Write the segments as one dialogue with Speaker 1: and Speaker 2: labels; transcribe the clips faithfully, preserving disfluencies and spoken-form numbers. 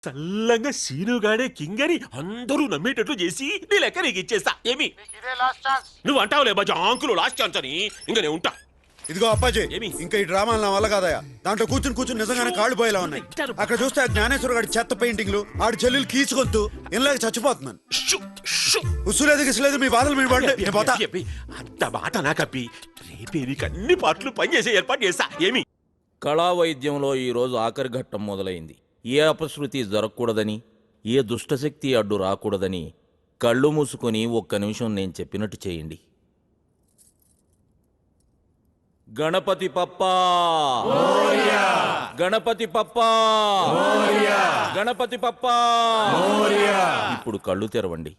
Speaker 1: చల్లంగా సీనుగాడే కింగని అందరూ నమ్మేటట్లు చేసి నీ లెక్క నీకు ఇచ్చేస్తా. ఏమి నువ్వు అంటావులే బాజా అంకులు లాస్ట్ ఛాన్స్ అని. ఇంకా నేను ఉంటా.
Speaker 2: ఇదిగో అప్పాజీ, ఇంకా ఈ డ్రామాలు నా వల్ల కాదయా. దాంట్లో కూర్చుని కూర్చుని నిజంగానే కాళ్ళు పోయేలా ఉన్నాయి. అక్కడ చూస్తే ఆ జ్ఞానేశ్వర గారి చెత్త పెయింటింగ్లు, ఆడి చెల్లెలు కీచుకొద్దు ఇలాగ చచ్చిపోతున్నాను. ఉసులేదు గిసులేదు, మీ బాధలు మీ పడండి, నేను పోతా.
Speaker 1: అంత బాట నా కప్పి రేపే నీకు అన్ని పాటలు పనిచేసే ఏర్పాటు చేస్తా. ఏమి
Speaker 3: కళా వైద్యంలో ఈరోజు ఆఖరి ఘట్టం మొదలైంది. ఏ అపశృతి జరగకూడదని, ఏ దుష్టశక్తి అడ్డు రాకూడదని కళ్ళు మూసుకొని ఒక్క నిమిషం నేను చెప్పినట్టు చేయండి. గణపతి పప్పా, గణపతి పప్పా, గణపతి పప్పా. ఇప్పుడు కళ్ళు తెరవండి.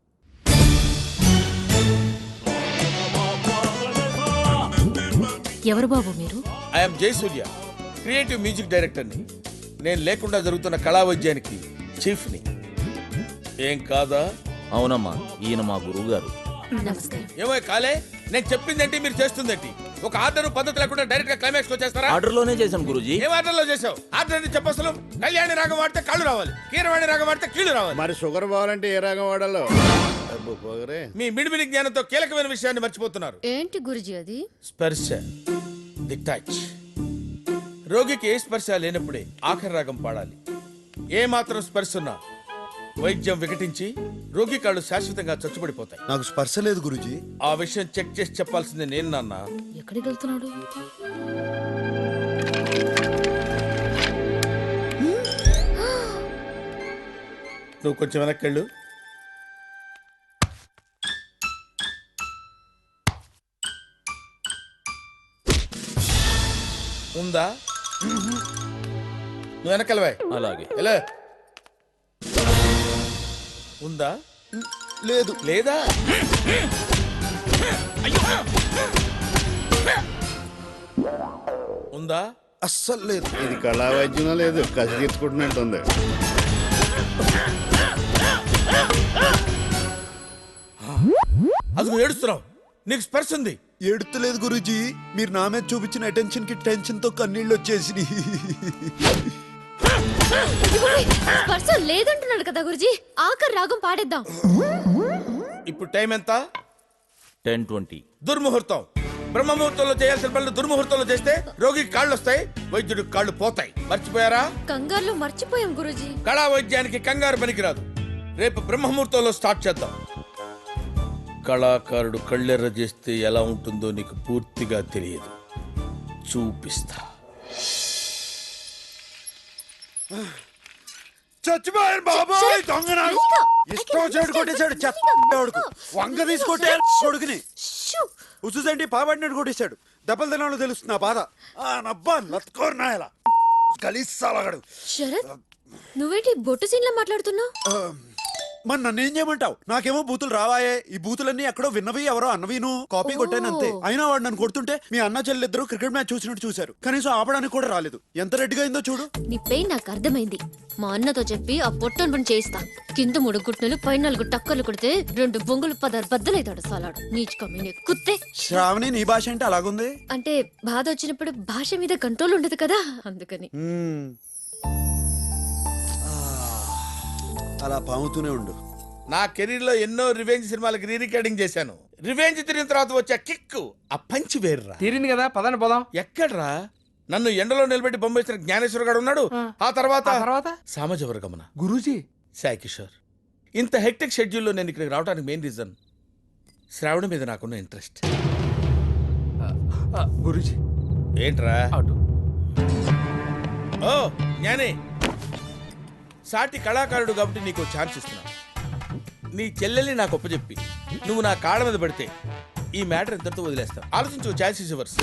Speaker 4: ఎవరు బాబు మీరు?
Speaker 5: ఐఎమ్ జయసూర్య, క్రియేటివ్ మ్యూజిక్ డైరెక్టర్ని. నేను లేకుండా జరుగుతున్న కళా వైద్యానికి చీఫ్ని. ఏం కాదా?
Speaker 3: అవునమ్మా, ఈయన మా గురువు గారు.
Speaker 4: నమస్కారం.
Speaker 5: ఏమో కాలే, నేను చెప్పిందేంటి మీరు చేస్తుందేంటి? ఒక ఆర్డర్ పద్ధతి లేకుండా డైరెక్ట్ గా క్లైమాక్స్ వచ్చేస్తారా?
Speaker 3: ఆర్డర్ లోనే చేశాను గురూజీ.
Speaker 5: ఏం ఆర్డర్ లో చేసావు? ఆర్డర్ అని చెప్పసలు కళ్యాణి రాగం వాడితే కళ్ళు రావాలి, కీరవాణి రాగం వాడితే కీళ్ళు రావాలి.
Speaker 6: మరి షుగర్ పోవాలంటే ఏ రాగం వాడాలో?
Speaker 5: మీ మిడిమిడి జ్ఞానంతో కీలకమైన విషయాన్ని మర్చిపోతున్నారు.
Speaker 4: ఏంటి గురుజీ అది?
Speaker 5: స్పర్శ, ది టచ్. రోగికి ఏ స్పర్శ లేనప్పుడే ఆఖరి రాగం పాడాలి. ఏ మాత్రం స్పర్శ ఉన్నా వైద్యం వికటించి రోగి కాళ్ళు శాశ్వతంగా చచ్చుబడిపోతాయి.
Speaker 2: నాకు స్పర్శ లేదు గురూజీ.
Speaker 5: ఆ విషయం చెక్ చేసి చెప్పాల్సింది నేను నాన్న.
Speaker 4: ఎక్కడికి వెళ్తున్నాడు?
Speaker 5: నువ్వు కొంచెం వెనక్కెళ్ళు. ఉందా? నువ్వు వెనకెళ్ళవా?
Speaker 3: అలాగే.
Speaker 5: ఎలా ఉందా?
Speaker 2: లేదు.
Speaker 5: లేదా? ఉందా?
Speaker 2: అస్సలు లేదు.
Speaker 6: ఇది కళా వైద్యం లేదు, కసి తీర్చుకుంటున్నట్టుంది.
Speaker 5: అది ఏడుస్తున్నావు, నీకు స్పర్శ ఉంది.
Speaker 2: ఏడుతలేదు గురూజీ, మీరు నా మీద చూపించిన అటెన్షన్ కి టెన్షన్ తో కన్నీళ్ళు వచ్చేసి.
Speaker 4: స్పర్శ లేదంటున్నాడు కదా గురుజీ. ఆఖరి రాగం పాడేద్దాం.
Speaker 5: ఇప్పుడు టైం ఎంత?
Speaker 3: Ten twenty.
Speaker 5: దుర్ముహూర్తం. బ్రహ్మముహూర్తంలో చేయాల్సిన పనులు దుర్ముహూర్తంలో చేస్తే రోగికి కాళ్ళు వస్తాయి, వైద్యుడికి కాళ్ళు పోతాయి. మర్చిపోయారా?
Speaker 4: కంగారులో మర్చిపోయాం గురుజీ.
Speaker 5: కళా వైద్యానికి కంగారు పనికిరాదు. రేపు బ్రహ్మముహూర్తంలో స్టార్ట్ చేద్దాం. కళాకారుడు కళ్ళెర్ర చేస్తే ఎలా ఉంటుందో నీకు పూర్తిగా తెలియదు. చూపిస్తా.
Speaker 2: చచ్చిపోయాను బాబాయ్, దొంగ నాకు ఇష్టం చెడు కొట్టేశాడు. చెత్తడుకు వంగ తీసుకొట్టే కొడుకుని ఉసుసండి పాబడినట్టు కొట్టేశాడు. దెబ్బలు తినాలో తెలుస్తుంది నా బాధ. ఆ నబ్బా లత్కోరు నాయలా కలిసాలగాడు.
Speaker 4: శరత్, నువ్వేంటి బొట్టు సీన్లా మాట్లాడుతున్నావు?
Speaker 2: మరి నన్ను ఏం చేయమంటావు? నాకేమో బూతులు రావాయే. ఈ బూతులన్నీ ఎక్కడో విన్నవి, ఎవరో అన్నవిను కాపీ కొట్టాను అంతే. అయినా వాడు నన్ను కొడుతుంటే మీ అన్న చెల్లిద్దరు క్రికెట్ మ్యాచ్ చూసినట్టు చూశారు. కనీసం ఆపడానికి కూడా రాలేదు. ఎంత రెడ్డిగా అయిందో చూడు.
Speaker 4: నీ పెయిన్ నాకు అర్థమైంది. మా అన్నతో చెప్పి ఆ పొట్టను పని చేయిస్తా. కింద మూడు గుట్టలు పై నాలుగు టక్కర్లు కొడితే రెండు బొంగులు పదారు బద్దలైతాడు సాలాడు. నీచుకమ్మి కుత్తే.
Speaker 2: శ్రావణి, నీ భాష అంటే అలాగుంది.
Speaker 4: అంటే బాధ వచ్చినప్పుడు భాష మీద కంట్రోల్ ఉండదు కదా, అందుకని.
Speaker 2: అలా పాముతూనే ఉండు.
Speaker 5: నా కెరీర్ లో ఎన్నో రివెంజ్ సినిమాలకు రీ రికార్డింగ్ చేశాను. రివెంజ్ తిరిగిన తర్వాత వచ్చే కిక్ ఆ పంచి వేర్రా.
Speaker 7: తీరింది కదా, పదండి పోదాం.
Speaker 5: ఎక్కడ్రా? నన్ను ఎండలో నిలబెట్టి బొంబేసిన జ్ఞానేశ్వర గారు ఉన్నాడు. ఆ తర్వాత
Speaker 7: తర్వాత
Speaker 5: సామజవర్గమన
Speaker 7: గురూజీ,
Speaker 5: సాయి కిషోర్. ఇంత హెక్టిక్ షెడ్యూల్లో నేను ఇక్కడికి రావడానికి మెయిన్ రీజన్ శ్రావణ మీద నాకున్న ఇంట్రెస్ట్.
Speaker 7: గురూజీ
Speaker 5: ఏంట్రా?
Speaker 7: అటు.
Speaker 5: ఓ జ్ఞానే, సాటి కళాకారుడు కాబట్టి నీకు ఛాన్స్ ఇస్తున్నా. నీ చెల్లెల్ని నాకు ఒప్పచెప్పి నువ్వు నా కాళ్ళ మీద పడితే ఈ మ్యాటర్ ఎంతతో వదిలేస్తావు? ఆలోచించు. Chance is yours.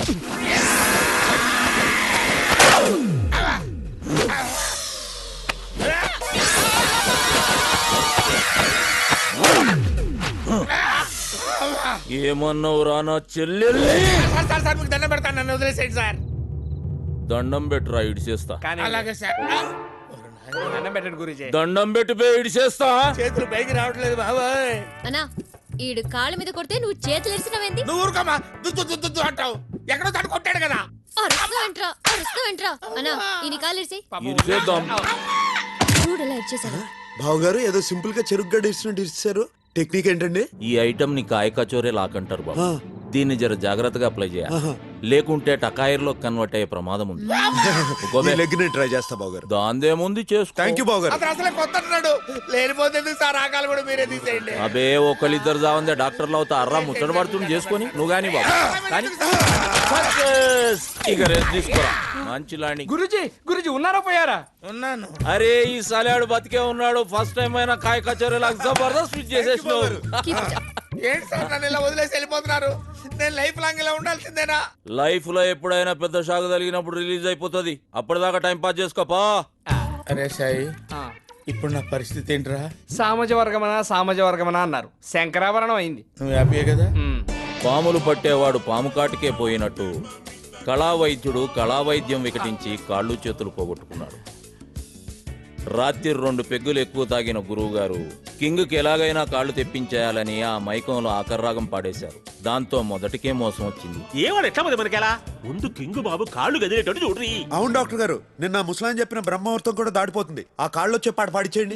Speaker 3: ఏమన్నావు రా నా చెల్లెల్ని?
Speaker 5: సార్ సార్ మీకు దండం పెడతాను, నన్ను వదిలేసేయండి సార్.
Speaker 3: దండం పెట్టురా, ఇడిచేస్తా.
Speaker 5: అలాగే సార్.
Speaker 7: దండం పెట్టండి గురూజీ.
Speaker 3: దండం పెట్టిపోయి ఇడిచేస్తా.
Speaker 5: చేతులు పైకి రావట్లేదు బాబాయ్.
Speaker 4: అన్నా, ఈడు కాళ్ళ మీద కొడితే నువ్వు చేతులు ఎరిసినవేంది?
Speaker 5: నువ్వు ఊరుకోమా, దుద్దు దుద్దు దుద్దు అంటావు. ఎక్కడో తను కొట్టాడు కదా.
Speaker 4: అరుస్తావేంట్రా అరుస్తావేంట్రా అన్నా, ఈ నీ కాళ్ళు ఎరిసి.
Speaker 3: ఇడిచేద్దాం.
Speaker 4: చూడు ఎలా ఇచ్చేసాడు.
Speaker 2: బావగారు ఏదో సింపుల్ గా చెరుకు గడ్డ ఇచ్చినట్టు ఇచ్చారు. టెక్నిక్ ఏంటండి?
Speaker 3: ఈ ఐటమ్ ని కాయ కచోరే లాకంటారు బాబు.
Speaker 2: ఆ.
Speaker 3: దీన్ని జర జాగ్రత్తగా అప్లై చేయాలి.
Speaker 2: ఆహా.
Speaker 3: లేకుంటే టకాయర్లో కన్వర్ట్ అయ్యే ప్రమాదం ఉంది.
Speaker 2: ఈ లెగ్ ని ట్రై చేస్తా బావగారు.
Speaker 3: దాందేముంది చేసుకో.
Speaker 2: థ్యాంక్ యూ బావగారు.
Speaker 5: అతను అసలే కొత్త అంటున్నాడు. లేనిపోతే ఎందుకు సార్ ఆకాలు కూడా మీరే తీసేయండి.
Speaker 3: అబే ఒకళ్ళిద్దరు జావందే డాక్టర్లు అవుతా అర్రా ముచ్చట పడుతుంది చేసుకొని నువ్వు గాని బాబు కానీ సక్సెస్. ఇక రెస్ట్ తీసుకోరా మంచి లాండి.
Speaker 7: గురుజీ గురుజీ ఉన్నారా పోయారా?
Speaker 5: ఉన్నాను.
Speaker 3: అరే ఈ సలాడు బతికే ఉన్నాడు. ఫస్ట్ టైం అయినా కాయ కచోరీ లాగా జబర్దస్త్ స్విచ్ చేసేసినావు.
Speaker 5: ఏంటి సార్ నన్ను ఇలా వదిలేసి వెళ్ళిపోతున్నారు? నేను లైఫ్ లాంగ్ ఇలా ఉండాల్సిందేనా?
Speaker 3: లైఫ్ లో ఎప్పుడైనా పెద్ద షాక్ తగిలినప్పుడు రిలీజ్ అయిపోతుంది. అప్పటిదాకా టైం పాస్ చేసుకోపా.
Speaker 5: అరే సాయి, ఇప్పుడు నా పరిస్థితి ఏంట్రా?
Speaker 7: సామాజ వర్గమనా సామాజ వర్గమనా అన్నారు, శంకరాభరణం అయింది.
Speaker 5: నువ్వు హ్యాపీయే కదా?
Speaker 7: ఉమ్.
Speaker 3: పాములు పట్టేవాడు పాము కాటికే పోయినట్టు కళా వైద్యుడు కళా వైద్యం వికటించి కాళ్ళు చేతులు పోగొట్టుకున్నాడు. రాత్రి రెండు పెగ్గులు ఎక్కువ తాగిన గురువు గారు కింగ్కి ఎలాగైనా కాళ్ళు తెప్పించేయాలని ఆ మైకంలో ఆకర్రాగం పాడేశారు. దాంతో మొదటికే మోసం వచ్చింది.
Speaker 1: ఏవాడు ఎట్లా మంది మనకెలా ముందు కింగ్ బాబు కాళ్ళు గదిలేటట్టు చూడ్రి.
Speaker 2: అవును డాక్టర్ గారు, నిన్న ముసలాయన చెప్పిన బ్రహ్మముహూర్తం కూడా దాటిపోతుంది. ఆ కాళ్ళు వచ్చే పాట పాడిచేయండి.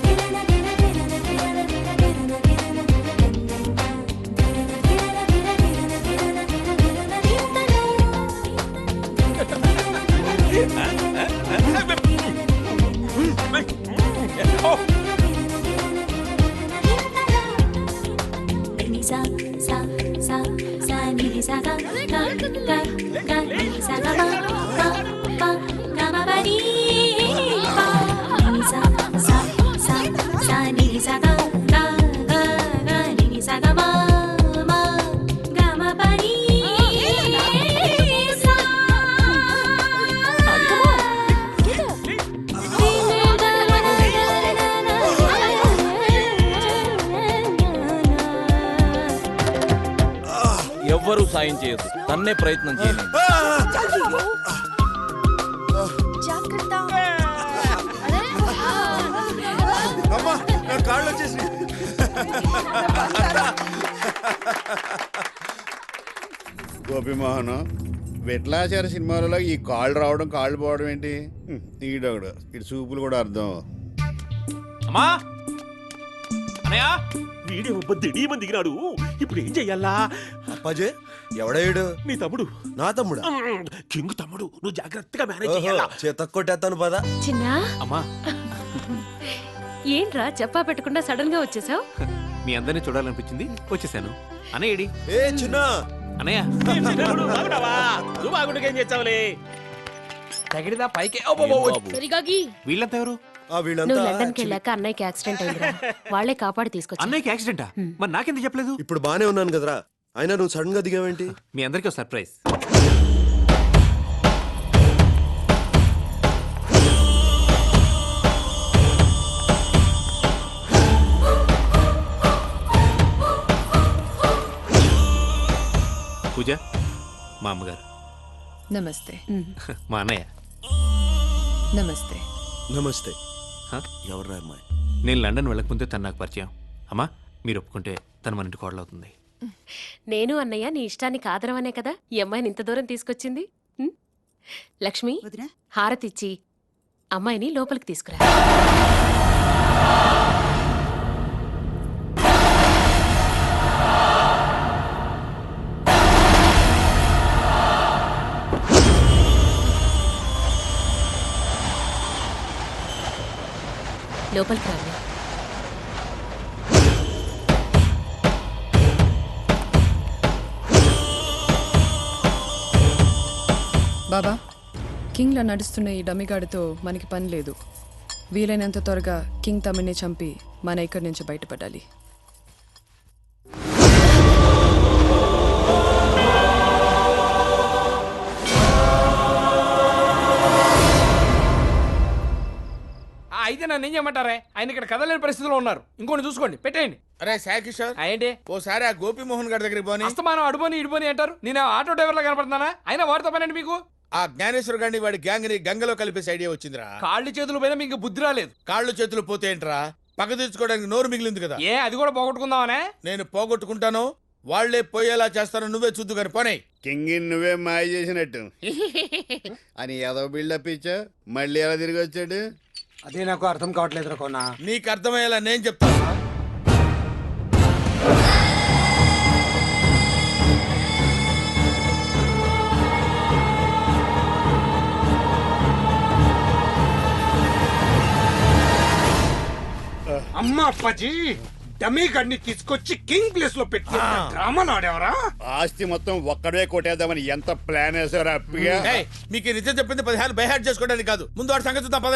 Speaker 8: sa sa sa sa ni sa ga ga ga ga ni sa ga ma ma ma ga ma ba ni pa ni sa sa sa sa ni sa ga ga ga ga ni sa ga ma ma ga ma ba ni sa
Speaker 3: ఎవ్వరూ సాయం చేయదు. తన్నే ప్రయత్నం చేయండి.
Speaker 2: అమ్మా నా కాళ్ళు వచ్చేసి.
Speaker 6: గోపిమోహన్ విట్లాచార సినిమాలలో ఈ కాళ్ళు రావడం కాళ్ళు పోవడం ఏంటి? హ్మ్, ఈడొకడు ఇటు చూపులు కూడా అర్థం.
Speaker 1: అమ్మా అనయ్య వీడియో దిడి మంది దిగినాడు. ఇప్పుడు ఏం చెయ్యాలా?
Speaker 2: అప్పాజే ఎవడేడు?
Speaker 1: నీ తమ్ముడు.
Speaker 2: నా తమ్ముడా?
Speaker 1: కింగ్ తమ్ముడు. నువ్వు జాగ్రత్తగా మేనేజ్ చెయ్యాలా.
Speaker 2: చేత కొట్టేస్తాను పదా.
Speaker 4: చిన్నా
Speaker 1: అమ్మా
Speaker 4: ఏంట్రా చెప్పా పెట్టకుండా సడన్ గా వచ్చేసావు?
Speaker 9: మీ అందరినీ చూడాలనిపించింది వచ్చేసాను. అన్నయ్యడి
Speaker 2: ఏ చిన్న
Speaker 9: అన్నయ్య
Speaker 1: బాగున్నావా? నువ్వు బాగుండగా ఏం చేస్తావులే.
Speaker 7: తగిడిదా పైకి
Speaker 4: సరిగాగి
Speaker 9: వీళ్ళంతా ఎవరు?
Speaker 2: ఆ వీళ్ళంతా
Speaker 4: నువ్వు లండన్ కి వెళ్ళాక అన్నయ్యకి యాక్సిడెంట్ అయిందిరా. వాళ్ళే కాపాడి తీసుకొచ్చి.
Speaker 9: అన్నయ్యకి యాక్సిడెంటా? మరి నాకెందుకు చెప్పలేదు?
Speaker 2: ఇప్పుడు బానే ఉన్నాను కదరా. అయినా నువ్వు సడన్ గా దిగావేంటి?
Speaker 9: మీ అందరికీ ఒక సర్ప్రైజ్. పూజ మా అమ్మగారు.
Speaker 10: నమస్తే.
Speaker 9: మా అన్నయ్య.
Speaker 10: నమస్తే.
Speaker 2: నమస్తే.
Speaker 9: హ?
Speaker 2: ఎవర్రా అమ్మాయి?
Speaker 9: నేను లండన్ వెళ్ళకముందే తను నాకు పరిచయం. అమ్మా మీరు ఒప్పుకుంటే తను మన ఇంటి కోడలవుతుంది.
Speaker 4: నేను అన్నయ్య నీ ఇష్టాన్ని కాదరవనే కదా ఈ అమ్మాయిని ఇంత దూరం తీసుకొచ్చింది. ఉం? లక్ష్మి హారతిచ్చి అమ్మాయిని లోపలికి తీసుకురా. లోపలికి రండి.
Speaker 10: బాబా, కింగ్లా నడుస్తున్న ఈ డమిగాడితో మనకి పని లేదు. వీలైనంత త్వరగా కింగ్ తమ్మిని చంపి మన ఇక్కడి నుంచి బయటపడాలి.
Speaker 7: అయితే నన్ను ఏం చేయమంటారే? ఆయన ఇక్కడ కదలేని పరిస్థితిలో ఉన్నారు. ఇంకోటి చూసుకోండి, పెట్టేయండి.
Speaker 5: అరే సాయి కిషోర్,
Speaker 7: ఏంటి
Speaker 5: ఓసారి ఆ గోపిమోహన్ గారి దగ్గరికి పోని.
Speaker 7: అస్తమానం అడుబోని ఇడుబోని అంటారు. నేను ఆటో డ్రైవర్ లా కనపడుతున్నానా? అయినా వాడితో పనండి మీకు.
Speaker 5: ఆ జ్ఞానేశ్వర్ గారిని వాడి గ్యాంగ్ ని గంగలో కలిపేసి ఐడియా వచ్చిందిరా.
Speaker 7: కాళ్ళు చేతులు పోయినా మీకు బుద్ధి రాలేదు.
Speaker 5: కాళ్ళు చేతులు పోతే ఏంట్రా? పక్క తీర్చుకోవడానికి నోరు మిగిలింది కదా.
Speaker 7: ఏ అది కూడా పోగొట్టుకుందామనే?
Speaker 5: నేను పోగొట్టుకుంటాను, వాళ్లే పోయేలా చేస్తాను. నువ్వే చూద్దు కానీ పోనీ.
Speaker 6: కింగ్ నువ్వే మాయ చేసినట్టు అని ఏదో బిల్డప్ ఇచ్చా. మళ్ళీ ఎలా తిరిగి వచ్చాడు?
Speaker 11: అదే నాకు అర్థం కావట్లేదు కోనా.
Speaker 5: నీకు అర్థమయ్యేలా నేను చెప్తాను.
Speaker 11: అమ్మా అప్పాజీ, డమీ గడిని తీసుకొచ్చి కింగ్ ప్లేస్ లో పెట్టి డ్రామాలు ఆడేవరా?
Speaker 6: ఆస్తి మొత్తం ఒక్కడే కొట్టేద్దామని ఎంత ప్లాన్ వేసారా అప్పిగా?
Speaker 5: ఏయ్, మీకు ఈ నిజం చెప్పింది పదిహేను బైహార్ట్ చేసుకోవడానికి కాదు. ముందు వాడి సంగతి చూద్దాం పద.